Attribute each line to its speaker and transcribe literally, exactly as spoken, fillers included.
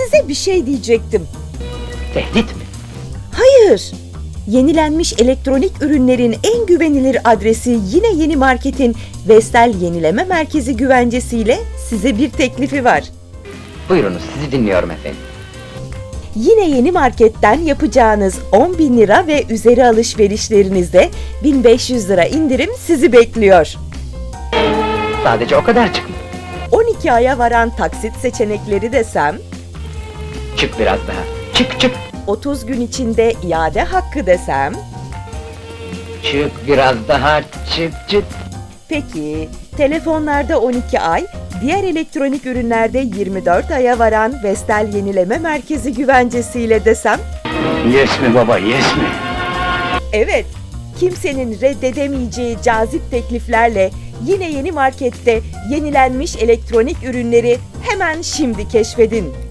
Speaker 1: Size bir şey diyecektim.
Speaker 2: Tehdit mi?
Speaker 1: Hayır. Yenilenmiş elektronik ürünlerin en güvenilir adresi Yine Yeni Market'in Vestel Yenileme Merkezi güvencesiyle size bir teklifi var.
Speaker 2: Buyurunuz, sizi dinliyorum efendim.
Speaker 1: Yine Yeni Market'ten yapacağınız on bin lira ve üzeri alışverişlerinizde bin beş yüz lira indirim sizi bekliyor.
Speaker 2: Sadece o kadar çık mı?
Speaker 1: on iki aya varan taksit seçenekleri desem,
Speaker 2: Çık biraz daha. Çık çık.
Speaker 1: otuz gün içinde iade hakkı desem,
Speaker 2: Çık biraz daha. Çık çık.
Speaker 1: peki telefonlarda on iki ay, diğer elektronik ürünlerde yirmi dört aya varan Vestel Yenileme Merkezi güvencesiyle desem,
Speaker 2: Yes mi baba, yes mi?
Speaker 1: evet, kimsenin reddedemeyeceği cazip tekliflerle Yine Yeni Market'te yenilenmiş elektronik ürünleri hemen şimdi keşfedin.